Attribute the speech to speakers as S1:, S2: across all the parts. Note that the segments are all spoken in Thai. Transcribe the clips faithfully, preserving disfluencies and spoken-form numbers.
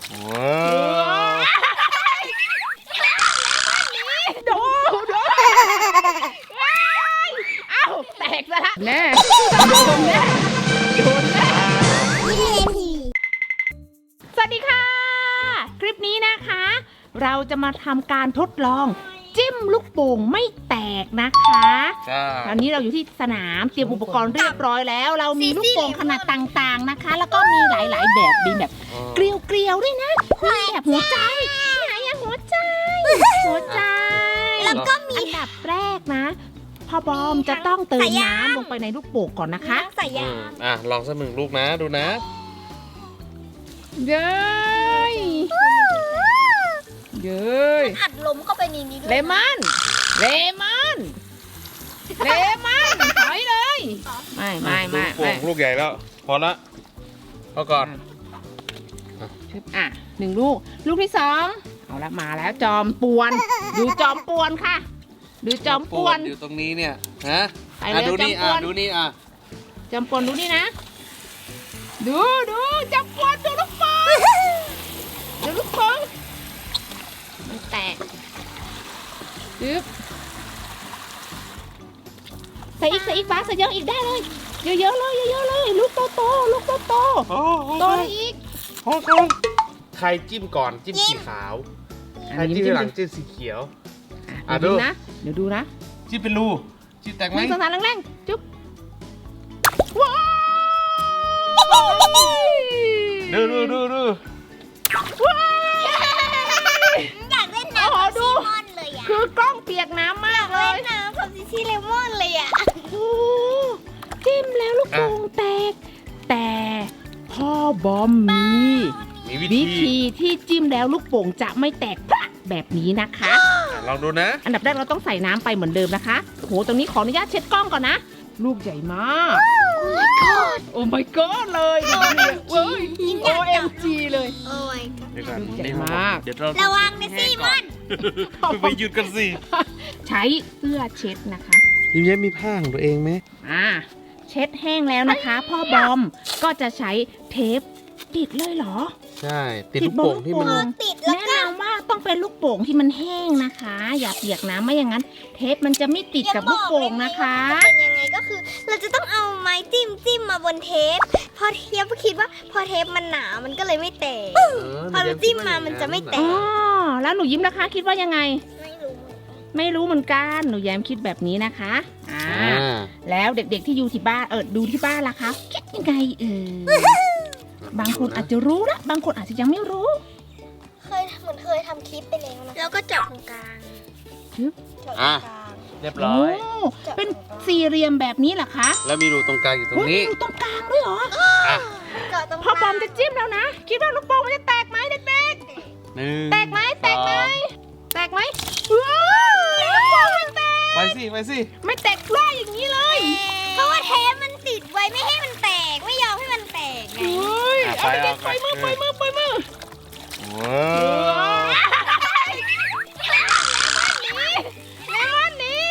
S1: ว้าว
S2: ดูดูเอ้าแตกซะละแน่โดนแน่โดนแน่สวัสดีค่ะคลิปนี้นะคะ เราจะมาทำการทดลองจิ้มลูกโป่งไม่แตกนะคะตอนนี้เราอยู่ที่สนามเตรียมอุปกรณ์เรียบร้อยแล้ว เรามีลูกโป่งขนาดต่างๆนะคะ แล้วก็มีหลายๆแบบมีแบบเกลียวๆด้วยนะมีแบบหัวใจไหนอะหัวใจหัวใจแล้วก็มีอันดับแรกนะพ่อบอมจะต้องเติมน้ำลงไปในลูกโป่งก่อนนะคะ
S3: ใส่ยา
S1: อ่ะลองสักหนึ่งลูกนะดูนะ
S2: เย้ยเย้ย
S3: อัดลมเข้าไปในนี้ด้วย
S2: เลมอนเลมอนเลมอนถอยเลยไม่ไม่ไม่ไม่
S1: ลูกใหญ่แล้วพอละเอาก่อน
S2: อ่ะหนึ่งลูกลูกที่สองเอาละมาแล้วจอมปวนดูจอมปวนค่ะดูจอมปวน
S1: อยู่ตรงนี้เนี่ยฮะ
S2: ไปเลย
S1: ดูนี่อ่ะดูนี่อ่ะ
S2: จอมปวนดูนี่นะดูดูจอมปวนดูลูกโป่งดูลูกโป่งมันแตกยึบใส่อีกใส่อีกบ้าใส่เยอะอีกได้เลยเยอะๆเลยเยอะๆเลยลูกโตโตลูกโตโตโตอีก
S1: โอ้โหใครจิ้มก่อนจิ้มสีขาวใครจิ้มหลังจิ้มสีเขียว
S2: อ่ะดูนะเดี๋ยวดูนะ
S1: จิ้มเป็นรูจิ้มแตกไหม
S2: สงสารแรงๆจุ๊บว้าว
S1: ดูดูดูดู
S2: ว้าว
S3: อยากเล่นน้ำกับซีมอนเลยอ่ะ
S2: คือกล้องเปียกน้ำมากเลย
S3: เล่นน้ำกับซิซี่เลมอนเลยอ่ะ
S2: โอ้จิ้มแล้วลูกโป่งแตกแต่พ่อบอมมีวิธีที่จิ้มแล้วลูกโป่งจะไม่แตกพลักแบบนี้นะคะ
S1: ลองดูนะ
S2: อันดับแรกเราต้องใส่น้ำไปเหมือนเดิมนะคะโหตรงนี้ขออนุญาตเช็ดกล้องก่อนนะลูกใหญ่มาก
S3: โอ้ my god
S2: โอ้ my god เลยโอ้ย โอ เอ็ม จี เลย
S3: โอ้ my god
S2: ลูกใหญ่มาก
S3: ระวังนะซีมอน
S1: ไปหยุดกันสิ
S2: ใช้เสื้อเช็ดนะคะ
S1: ยิ้มแย้มมีผ้าของตัวเองไหม
S2: อ่าเช็ดแห้งแล้วนะคะพ่อบอมก็จะใช้เทปติดเลยเหรอ
S1: ใช่ติดลูกโป่งที่มัน
S2: แนะนำว่าต้องเป็นลูกโป่งที่มันแห้งนะคะอย่าเปียกน้ำไม่อย่างนั้นเทปมันจะไม่ติดกับลูกโป่งนะคะ
S3: เป็นยังไงก็คือเราจะต้องเอาไม้จิ้มจิ้มมาบนเทปพอเทปคิดว่าพอเทปมันหนามันก็เลยไม่แตกพอเราจิ้มมามันจะไม่แตก
S2: อ๋อแล้วหนูยิ้มนะคะคิดว่ายังไง
S3: ไม่รู้
S2: ไม่รู้เหมือนกันหนูแย้มคิดแบบนี้นะคะอ่าแล้วเด็กๆที่อยู่ที่บ้านเออดูที่บ้านล่ะคะคิดยังไงเออบางคนอาจจะรู้นะบางคนอาจจะยังไม่รู้
S3: เคยเหมือนเคยทำคลิปไปแล้วนะแล้วก็เจาะตรงกลาง
S2: ชึบ
S3: เจาะตรงกลาง
S1: เรียบร้อย
S2: เป็นสี่เหลี่ยมแบบนี้เหรอคะ
S1: แล้วมีรูตรงกลางอยู่ตรงนี้
S2: มีรูตรงกลางด้วยเหรอ
S3: เจาะตรงกลาง
S2: พอบอมจะจิ้มแล้วนะคิดว่าลูกโป่งมันจะแตกไหมเด็กๆแตกไหมแตกไหมแตกไหมว้าวลูกโป่งไม่แตก
S1: ไปสิไปสิ
S2: ไม่แตกพล่าอย่างนี้เลย
S3: เพราะว่าเทปมันติดไว้ไม่ให้มันแตกไม่ยอมให้มันแตกไง
S2: เอาไปไปมือไปมือไปมือ
S1: ว้าว
S2: เลมอนนี่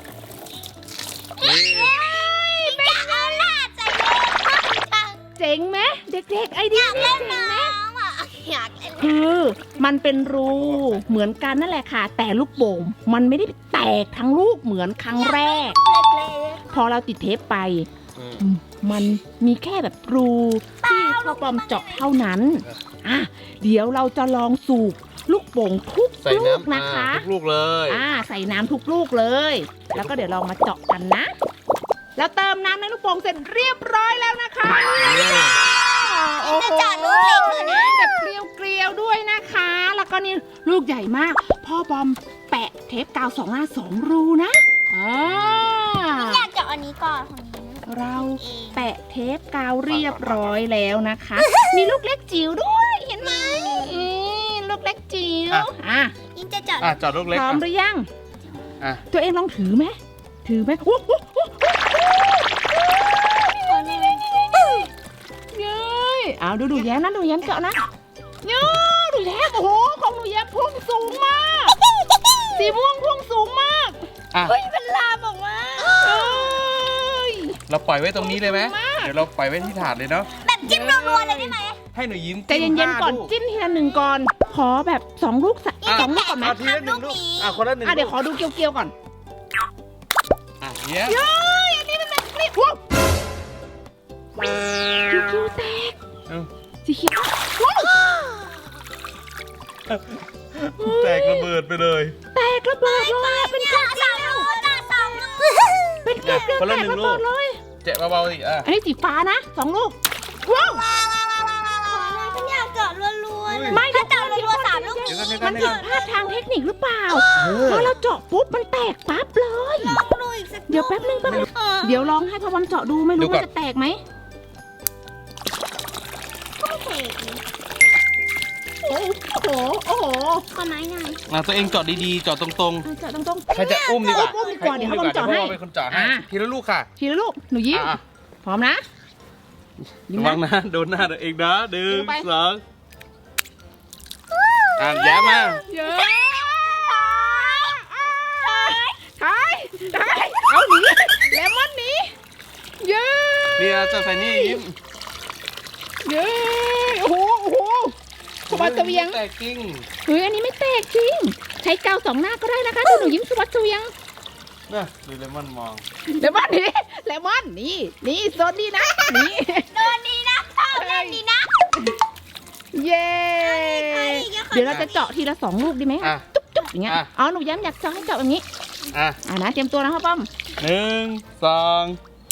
S2: เจ๋งไหมเด็กๆไอเดียเจ๋งไหมคือมันเป็นรูเหมือนกันนั่นแหละค่ะแต่ลูกโป่งมันไม่ได้แตกทั้งลูกเหมือนครั้งแรกพอเราติดเทปไปมันมีแค่แบบรูที่พ่อบอมเจาะเท่านั้นอ่ะเดี๋ยวเราจะลองสูบลูกโป่งทุกลูกนะคะ
S1: ทุกลูกเลย
S2: อ่าใส่น้ำทุกลูกเลยแล้วก็เดี๋ยวลองมาเจาะกันนะแล้วเติมน้ำในลูกโป่งเสร็จเรียบร้อยแล้วนะคะ
S3: โอ้โหจะเจาะลูกเล็กเลยนะ
S2: แบบเกลียวๆด้วยนะคะแล้วก็นี่ลูกใหญ่มากพ่อบอมแปะเทปกาวสองหน้าสองรูนะอ่า
S3: อยากเจาะอันนี้ก่อน
S2: เราแปะเทปกาวเรียบร้อยแล้วนะคะมีลูกเล็กจิ๋วด้วยเห็นไหมลูกเล็กจิ๋วอ่ะ
S3: ยิ่งจะเจาะ
S1: อ่ะเจาะลูกเล็ก
S2: พร้อมหรือยัง
S1: อ่ะ
S2: ตัวเองลองถือไหมถือไหมโอ้โหเย้ยเอาดูดูแย้มนะดูแย้มเจาะนะเย้ยดูแย้มโอ้โหของหนูแย้มพุ่งสูงมากสีม่วงพุ่งสูงมาก
S3: เฮ้ยเป็นลามออกมา
S1: เราปล่อยไว้ตรงนี้เลยไหมเดี๋ยวเราปล่อยไว้ที่ถาดเลยเนาะ
S3: แบบจิ้มรัวๆเลยได้ไหม
S1: ใให้หนูยิ้ม
S2: ใจเย็นๆก่อนจิ้มทีละหนึ่งก่อนขอแบบสองลูกสักสองลูกก่อนไหม
S1: เอาทีละหนึ่งลูกอ่ะคนละหนึ่ง
S2: อ่ะเดี๋ยวขอดูเกียวๆก่อน
S1: อ่ะเนี้ย
S2: เย้ยอันนี้มันแบบนี้ว้าวเกียวๆแตก
S1: เอ้า
S2: สีเขียวว้าว
S1: แตกระเบิดไปเลย
S2: แตกระเบิดเลยอะเป็นเกลียว
S3: สามลูกนะสามลูก
S2: เป็นเกลียวๆแตกระเบิดเลย
S1: เจ็บเบาๆสิอ่ะ
S2: อันนี้สีฟ้านะสองลูกว้าว
S3: ฉันอยากเจาะรัวๆเลย
S2: ไม่
S3: ถ้าเจาะรัวๆสามลูก
S1: เดี๋ยวก่อน
S3: นี้
S1: เดี๋ยวก่
S2: มั
S1: อน
S2: น
S1: เดี๋ยว
S2: ผิ
S1: ก่อน
S2: ดพลาดทางเทคนิคหรือเปล่า
S1: เออ
S2: พอเราเจาะปุ๊บมันแตกปั๊บเลย
S3: ลองดูอีกสัก
S2: เดี๋ยวแป๊บนึงแป๊บนึง
S3: เออ
S2: เดี๋ยวลองให้พ่อบอมเจาะดูไม่รู้ว่าจะแตกไหม
S3: ไม่เสกเลย
S2: โอ้โหโอ้โห
S3: ขอไม้หน่อย
S1: อ่ะตัวเองเจาะดีๆเจาะตรง
S2: เอาเจาะตรง
S1: ๆใครจะอุ้มดีกว่า
S2: อุ้มดีกว่าเดี๋ยวให้ผมเจาะให้
S1: ดี๋ยวพ่อเป็นคนเจาะให้
S2: อ่ะ
S1: ทีละลูกค่ะ
S2: ๆทีละลูกหนูยิ้ม
S1: อ่ะ
S2: พร้อมนะยิ้ม
S1: ระวั
S2: นะ
S1: งนะโดนหน้าตัวเองนะหนึ่ง
S2: ดูไป
S1: สองอ่ะแย้มมา
S2: เยอะทายทายเอาหนีเลมอนหนีเย้
S1: เนี่ยเจาะใส่นี่ยิ้ม
S2: เย้โอ้โหโอ้โหสวัสดิ์เสวียง
S1: แตกจริง
S2: เฮ้ยอันนี้ไม่แตกจริงใช้กาวสองหน้าก็ได้นะคะดูหนูยิ้มสวัสดิ์เสวียง
S1: นะดูเลมอนมอง
S2: เลมอนนี่เลมอนนี่นี่โซนนี่นะนี่
S3: โดนดีนะชอบเล่นดีนะ
S2: เย้ เดี๋ยวเราจะเจาะทีละสองลูกดีไหม
S1: อ่ะ
S2: จุ๊บจุ๊บอย่างเงี้ย
S1: อ่ะ
S2: อ๋อหนูย้ำอยากเจาะให้เจาะแบบนี้
S1: อ่ะ
S2: อ่านะเตรียมตัวนะพ่อป้อม
S1: หนึ่งสอง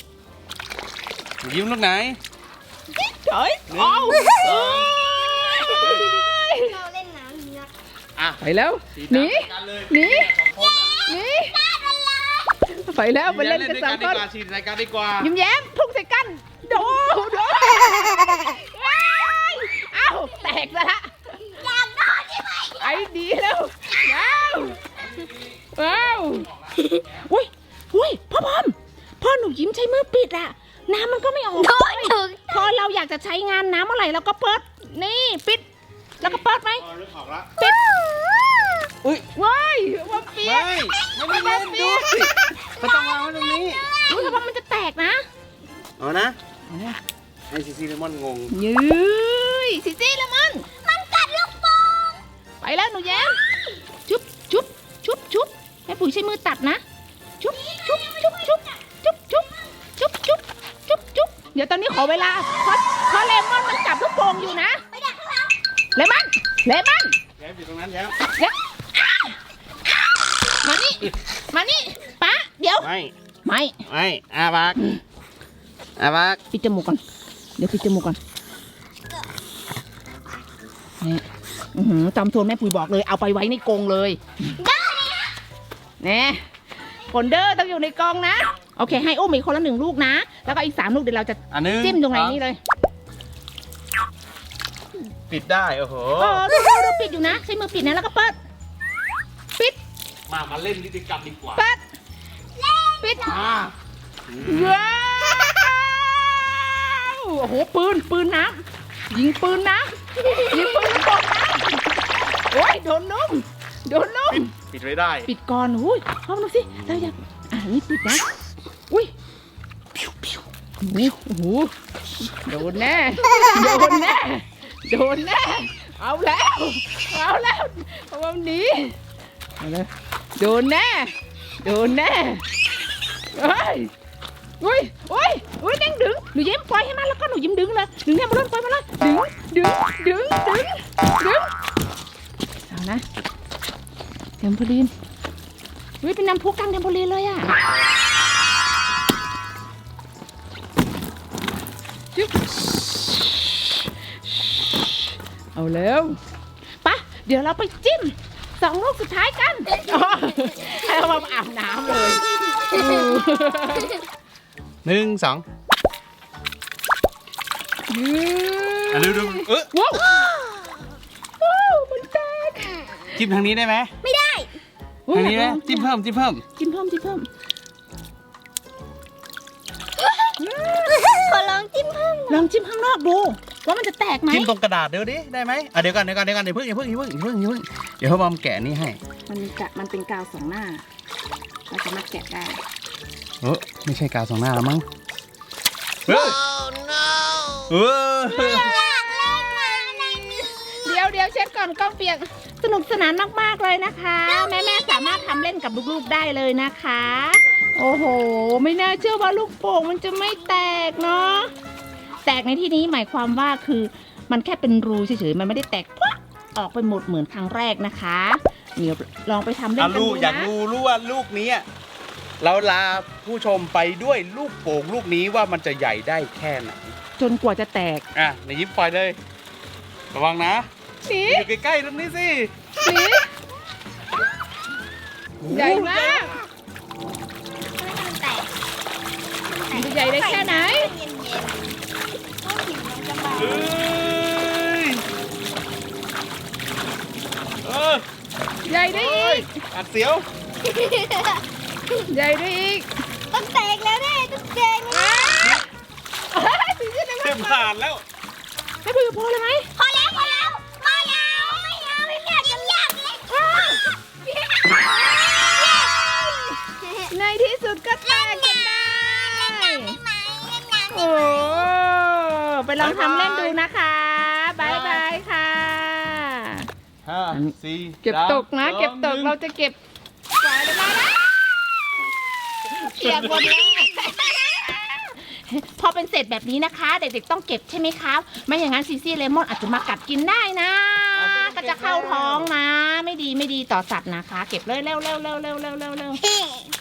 S1: ยิ้มลูกไหน
S2: เฮ้ย
S1: หนึ่ง
S2: เอา
S1: สอง
S3: เราเล่นน้ำเนี่ย
S1: อ่ะ
S2: ไปแล้ว
S1: สี
S2: หนี
S1: ดำกันเลย
S2: หนี
S1: สองคนอ่ะ
S2: หนีไปแล้วไปเล่นกันสองคน
S1: ดีกว่าฉีดรายการดีกว่า
S2: ยิ้มแย้มพุ่งใส่กันโดโดว้ายเอ้าแตกซะละ
S3: อยากโดนใช่ไหม
S2: ไอ้ดีแล้วว้าวว้าวอุ้ยอุ้ยพ่อพอมพ่อหนูยิ้มใช้มือปิดอะน้ำมันก็ไม่ออก
S3: โดนถึง
S2: พอเราอยากจะใช้งานน้ำเมื่อไหร่เราก็เปิดนี่ปิด แล้วก็เปิดไหม
S1: อ๋อนึกออกละ
S2: ปิด
S1: อุ้ย
S2: ว้ายว่าเปีย
S1: ไม่
S2: ก
S1: ไม่ได้เล่นดูสิเขาต้องวางไว้ตรงนี้
S2: รู้สึกว่ามันจะแตกนะ
S1: เอานะให้ซีซีเลมอนงง
S2: ยืยซิซี่ละมัน
S3: มันกัดลูกโป่ง
S2: ไปแล้วหนูแย้มชุบชุบชุบชุบแม่ปุ๋ยใช้มือตัดนะชุบชุบชุบชุบชุบชุบชุบชุบชุบชุบเดี๋ยวตอนนี้ขอเวลาเพราะเพราะเลมอนมันจับลูกโป่งอยู่นะ
S3: ไปดักข้างหลัง
S2: เลมอนเลมอน
S1: แย้มอยู่ตรงนั้นแย้ม
S2: เดี๋ยวมานี่มานี่ป๊าเดี๋ยว
S1: ไม่
S2: ไม่
S1: ไม่อาบักอาบัก
S2: ปิดจมูกก่อนเดี๋ยวปิดจมูกก่อนนี่อื้อหือจำโซนแม่ปุ๋ยบอกเลยเอาไปไว้ในกรงเลยนี่ผลเดอร์ต้องอยู่ในกรงนะโอเคให้อุ้มอีกคนละหนึ่งลูกนะแล้วก็อีกสามลูกเดี๋ยวเราจะ
S1: อันนึง
S2: จิ้มตรงไหนนี่เลย
S1: ปิดได้โอ้โห
S2: เออดูดูดูปิดอยู่นะใช้มือปิดนะแล้วก็เปิดปิด
S1: มามาเล่นนิติกรรมดีกว่า
S2: เปิดปิด
S1: มา
S2: ว้าวโอ้โหปืนปืนน้ำยิงปืนน้ำยิงปืนลูกโป่งน้ำโอ้ยโดนนุ่มโดนนุ่ม
S1: ปิดไว้ได้
S2: ปิดก่อนอุ้ยลองดูสิเราอยากอ่ะนี่ปิดนะอุ้ยพิวพิวนี่โอ้โหโดนแน่โดนแน่โดนแน่เอาแล้วเอาแล้วเอาวันนี้เอาเลยโดนแน่โดนแน่เฮ้ยอุ้ยอุ้ยอุ้ยแดงดึงหนูยิ้มปล่อยให้มันแล้วก็หนูยิ้มดึงเลยดึงเนี่ยมาเลยปล่อยมาเลยดึงดึงดึงดึงดึงเอานะเทมโพลีนอุ้ยเป็นน้ำพุกลางเทมโพลีนเลยอ่ะจึ๊บเอาแล้วปะเดี๋ยวเราไปจิ้มสองลูกสุดท้ายกันอ๋อให้เรามาอาบน้ำเลย
S1: หนึ่งสองอ่ะดูดูเออ
S2: ว้าวว้าวมันแตก
S1: จิ้มทางนี้ได้ไหม
S3: ไม่ได้
S1: ทางนี้ไหมจิ้มเพิ่มจิ้มเพิ่ม
S2: จิ้มเพิ่มจิ้มเพิ่ม
S3: ขอลองจิ้มเพิ่ม
S2: ลองจิ้มข้างนอกดูว่ามันจะแตกไหม
S1: จิ้มตรงกระดาษเดี๋ยวดิได้ไหมอ่ะเดี๋ยวก่อนเดี๋ยวก่อนเดี๋ยวก่อนเดี๋ยวเพิ่งอย่าเพิ่งอย่าเพิ่งอย่าเพิ่งอย่าเพิ่งเดี๋ยวพ่อบอมแกะนี่ให้
S2: มันกะมันเป็นกาวสองหน้าเราสามารถแกะได้
S1: เออไม่ใช่กาวสองหน้าแล้วมั้งเออเออ
S3: อยากเล่นอ่ะ
S2: เดี๋ยวเช็ดก่อนกล้องเปียกสนุกสนานมากๆเลยนะคะ แม่แม่ๆสามารถทำเล่นกับลูกๆได้เลยนะคะ โอ้โห ไม่น่าเชื่อว่าลูกโป่งมันจะไม่แตกเนาะแตกในที่นี้หมายความว่าคือมันแค่เป็นรูเฉยๆมันไม่ได้แตกปุ๊บออกไปหมดเหมือนครั้งแรกนะคะเดี๋ยวลองไปทำเล่น
S1: อ่ะ
S2: กัน
S1: ลู
S2: ดู
S1: กอยาก
S2: นะ
S1: ดูรู้ว่าลูกนี้อะเราลาผู้ชมไปด้วยลูกโป่งลูกนี้ว่ามันจะใหญ่ได้แค่ไหน
S2: จนกว่าจะแตก
S1: อ่ะในยิ้มปล่อยเลย ระวังนะ
S2: สี
S1: อยู่ใกล้ๆตรงนี้สิ
S2: สีใหญ่มาก
S3: มันแตก
S2: มันจะใหญ่ได้แค่ไหน
S3: เย็นๆก็ผิวมันจะบาง
S1: เอ้ยเออ
S2: ใหญ่ได้
S1: เอ้
S2: อี
S1: ย
S2: ก
S1: อัดเสียว
S2: ใหญ่ได้อีก
S3: ต้องแตกแล้วแน่ต้องแตกแล้ว
S2: สีจะได้
S1: เต็มผ่านแล้ว
S2: ให้พูดกับพ่อเลยไหม
S3: พอแล้วพอแล้วพอแล้วไม่เอาไม่อยากจะอยากเลย
S2: ในที่สุดก็แตกจนได้ โอ้ไปลองทำเล่นดูนะคะบายบายค่ะ
S1: ห้าสี่
S2: เก็บตกนะ
S1: สาม
S2: เก็บตก
S1: สอง
S2: เราจะเก็บกวาดเลยมาแล้วเปียกหมดเลยพอเป็นเศษแบบนี้นะคะ เด็กๆต้องเก็บใช่ไหมคะไม่อย่างนั้นซีซี่เลมอนอาจจะมากัดกินได้นะ ก็จะเข้าท้องนะ ไม่ดีไม่ดีต่อสัตว์นะคะ เก็บเลยเร็วเร็วเร็วเร็วเร็วเร็วเร็ว